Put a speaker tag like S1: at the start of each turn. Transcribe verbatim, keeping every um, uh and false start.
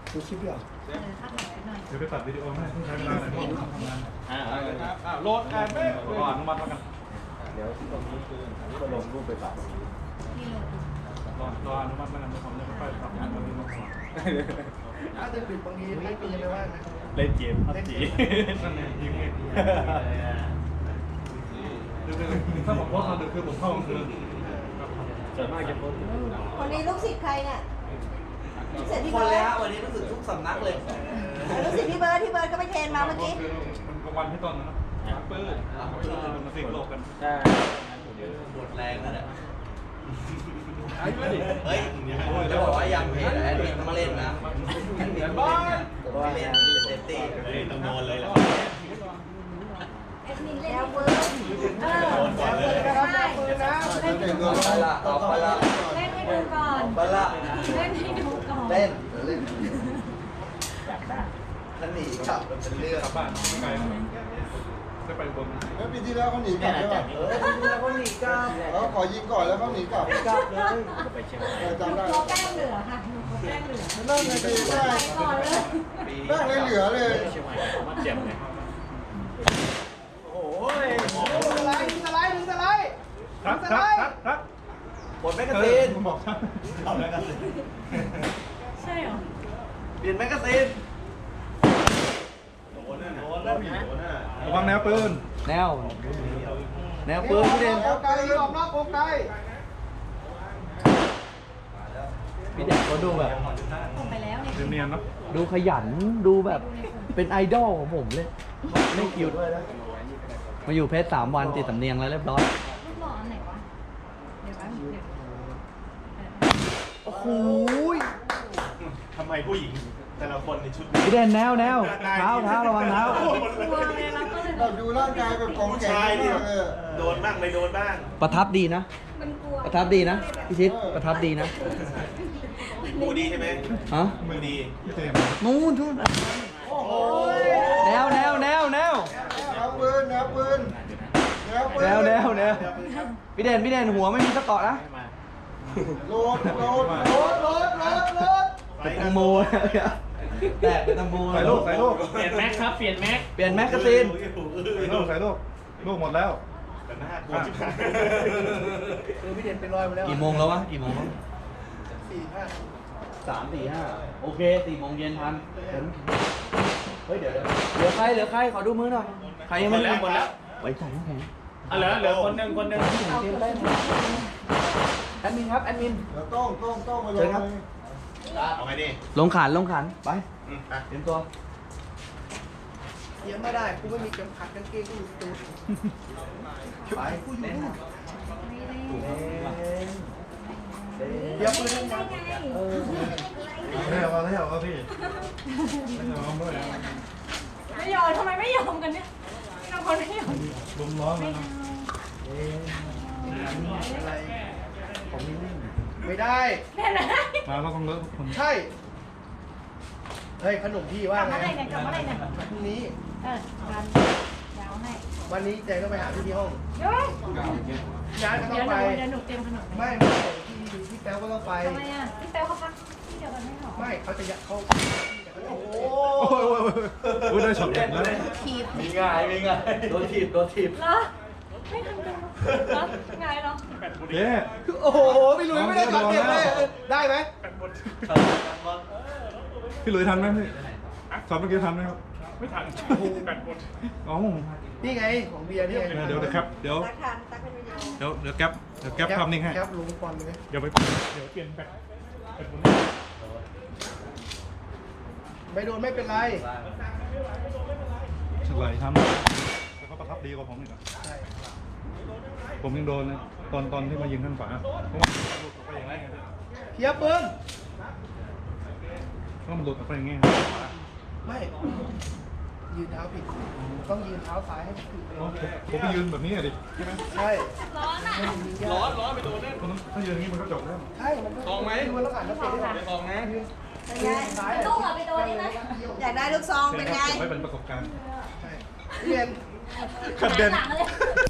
S1: ดูคลิปด้วยเหรอ
S2: เออถ้าถ่ายไว้หน่อย
S3: เดี๋ยวไปตัดวิดีโอให้ต้องใช้เวลาหน่อยเพราะผมทำงาน
S4: อ่า
S3: อ่าโหลดแอนไม่รออนุมัติแล้วกัน
S1: เดี๋ยวที่ตรงนี้คือก็ลงรูปไปตัด
S2: นี่โหลด
S3: รอรออนุมัติแล้วกันเดี๋ยวผมจะไปทำงานวันนี้มาก่อน
S5: ถ้าจะปิดบางทีไม่ปีเลยว่านะ
S4: เล่นเกมพับจี
S3: นั่นเองยิงเองถ้าผมโพสต์ตอนดึกคือผมเข้ากลางคืน
S4: ส่วนมากจะโพสต์
S2: คนนี้ลูกศิษย์ใครเนี่ยลูกศิษย์พี่
S5: คน
S2: เบิ
S5: เลย
S2: ร์
S5: ฮะ
S2: ด
S5: วันนี้รู้สึกทุกสำนักเลย
S2: ลูกศิษย์พี่เบิร์ดพี่เบิร์ดก็ไปเทรนมาเมื่อกี้
S3: มันกลางวันที่ต้นนะนะปื้ดมันมาสิงโลกกัน
S4: ใช่
S5: หมดแรงนั่นแหละ
S3: ไอ้ไม่ดิ
S5: เฮ้ยจะบอกว่ายังเพจแอดมินต้องเล่นนะแอดมินบ้านไม่เล่นเต็มที่ต้องโดนเลยแหละ
S2: เอ็ดมินเล่นพี่เบิร์ดเออ
S5: โดนก่อนเลย
S2: ใช่
S5: ไปละเอาไปละ
S2: เล่นให้ดูก่อน
S5: ไปละ
S2: เล่นให้ดูก่อน
S5: เล่นเล่น
S4: อยากได้
S5: ถ้าหนีกลับมันเป็นเรื่อง
S3: กลับบ้านไม่ไกลได้ไปบน
S6: แล้วปีที่แล้วเขาหนีกลับใช่ป่ะ
S5: เออแล้วก็หนีกลับ
S6: เขาขอยิงก่อนแล้วเขาหนีกลับ
S5: กลับเลย
S4: ก็ไปเชียงใหม่
S6: เออ
S2: หนู
S6: จำได้
S2: โคแป้งเหลือค่ะหนูโคแป้งเหลือ
S6: นั่งเลยดีได้
S2: ไปก่อนเลย
S6: นั่งเลยเหลือเลย
S4: เชียงใหม่มาเจ็บเลย
S5: โอ้ยสไลด์สไลด์สไลด์
S3: ทัก
S5: ส
S3: ทั
S5: ไล
S3: ก
S5: ด์
S3: ทักทัก
S5: ปลดแมกกาซีน
S3: ผมบอกทัก
S5: เอาแมกกาซีน
S2: ใช่เหรอ
S5: เปลี่ยนแมกกาซีนโดนน่ะโดนแล้วโดนน่ะ
S3: ระวังแนวปืน
S7: แนว แนวปืนพี่เด่น
S5: โอไกออกนอกโอไก
S7: พี่เด่นเขาดูแบบ
S2: ส่งไปแล้วเนี่ย
S3: เนียนๆเนาะ
S7: ดูขยันดูแบบเป็นไอดอลของผมเลยไม่คิวด้วยนะมาอยู่เพชรสามวันติดสำเนียงแล้วเรียบร้อย
S2: รูปหล่ออันไหนวะเดี๋ยวแป๊บเดี๋ยว
S7: โอ้โห
S4: ทำไมผู้หญิงแต่ละคนในชุด
S7: พี่เด่นแนวแนวเท้าเท้าระวังเท้า
S2: กลัวเลยเราก็เลย
S6: แบบดูร่างกายแบบของแข็งมากเลย
S4: โดนบ้างไม่โดนบ้าง
S7: ประทับดีนะ
S2: มันกลัว
S7: ประทับดีนะพี่ชิดประทับดีนะ
S4: มูดีใช่ไหม
S7: ฮะ
S4: มูดี
S3: พี่เจม
S7: นู่นนู่น
S6: โอ้โห
S7: แนวแนวแนวแนว
S6: แนวปืนแนวปืนแนวปืน
S7: แนวแนวแนวพี่เด่นพี่เด่นหัวไม่มีสะเกาะนะ
S6: โหลดโหลดโหลดโหลดโหลดโหลด
S7: เป็นตังโมแตกเป็นตังโม
S3: ใส่ลูกใส่ลูก
S4: เปลี่ยนแม็กครับเปลี่ยนแม็ก
S7: เปลี่ยนแมกกาซีน
S3: ใส่ลูกใส่ลูกลูกหมดแล้ว
S4: แต่หน้ากลัวชิบหาย
S5: คือพี่เด่นเป็นรอยมาแล้ว
S7: กี่โมงแล้ววะกี่โมงแล้ว
S5: สี่ห้า
S7: สามสี่ห้าโอเคสี่โมงเย็นทันเฮ้ยเดี๋ยวเดี๋ยวเหลือใครเหลือใครขอดูมือหน่อยใครยังไม่ได้
S4: หมดแล้ว
S7: ไว้ใจน้ำแข็ง
S4: อ่ะเหลือเหลือคนหนึ่งคนหนึ่ง
S7: แอดมินครับแอดมิน
S6: แล้วต้องต้องต้องมาล
S7: เชิ
S6: ง
S7: ญครับ
S4: เอาไงดิ
S7: ลงขันลงขันไป
S4: อืมอ่ะ
S7: เตรียมตัว
S5: เทียมไม่ได้กูไม่มีเข็มขัดกางเกงกูอยู่ตูด
S7: ไป
S5: กูอยู่
S7: เล่น
S5: นู่น
S7: เล่น
S5: เดี๋ยวปืน
S2: ได้ไง
S7: เออ
S3: แล้วเอาแล้วเอาพี่ไม่ยอมด้วย
S2: ไม่ยอมทำไมไม่ยอมกันเนี่ยไม่ยอมคนไม่ยอม
S3: ลมร้อนเลยนะ
S5: อะไร
S7: ผมมีนิ่ง
S5: ไม่ได้
S2: แน่นะ
S3: มาเราต้องเลิกทุกคน
S5: ใช่ เฮ้ยขนมพี่
S2: ก
S5: ว่า
S2: ลับ
S5: ไง
S2: มาได้เนี่ยกลับมาได้เนี่ย
S5: พรุ่งนี้
S2: เออกันยาวให้
S5: วันนี้แจงต้องไปหาพี่ที่ห้อง
S2: เดี๋ยว
S5: ย้ายก็ต้อ
S2: เดี๋ยว
S5: ง
S2: ห
S5: ไป
S2: นูเดี๋ยวหนูเตรียมขนม
S5: ไม่ไม่พี่พี่แป๊วก็ต้องไป
S2: ทำไมอ่ะพี่แป๊วเขาพักที่เดียวกันไม่หรอ
S5: ไม่เขาจะยัดเขาโอ้โห
S3: โอ้ยโอ้ยโอ้ยได้ช็อตเด็ดแล้ว
S2: ขีด
S7: มีง่ายมีง่ายโดนถีบโดนถีบ
S2: เหรอไม่ทันดูเหรอไงเหรอ
S3: เย้
S5: โอ้โหพี่หลุยไม่ได้ช็อตเด็ดเลยได้ไหม
S3: พี่หลุยทันไหมพี่ช็อตเมื่อกี้ทันไหมครับไม่ทันแปดคนอ๋อ
S5: นี่ไงของเบียร์นี่ไง
S3: เดี๋ยวเดี๋ยวครับเดี๋ยว
S2: ตักทันตักเป็นวิดีโอ
S3: เดี๋ยวเดี๋ยวแก๊ปเดี๋ยวแก๊ปภาพนิ่งให้
S5: แคปลงฟอนเลย
S3: เดี๋ยวไปเดี๋ยวเปลี่ยนแบ็คเป็นคน
S5: ไม่โดนไม่เป็นไร
S3: ฉลายทำแต่เขาประทับดีกว่าผมอีกนะ
S5: ใช่
S3: ผมยังโดนเลยตอนตอนที่มายิงข้างฝาเพราะว่าหลุดออกไปอย่างไรไง
S5: เทียบปืน
S3: ก็มันหลุดออกไปอย่างงี้
S5: ไม่ยืนเท้าผิดต้องยืนเท้าซ้ายให้ผิด
S3: อ๋อผมผมไปยืนแบบนี้อะดิใช่ไหม
S5: ใช่
S2: ร้อนอ่ะ
S5: ร้อน
S3: ถ้ายืนอย่างนี้มันก็จบแล้ว
S5: ใช่มันลองไหมดูแล้วอ่านแล้วเป็นได้
S4: ลองนะ
S2: เป็นไงลูกอ่ะไปโดนนี่ไหมอยากได้ลูกซองเป็นไง
S3: ไว้เป็นประสบการณ์
S5: ใช่เรียน
S3: ขัดเด่น
S2: หลังเลย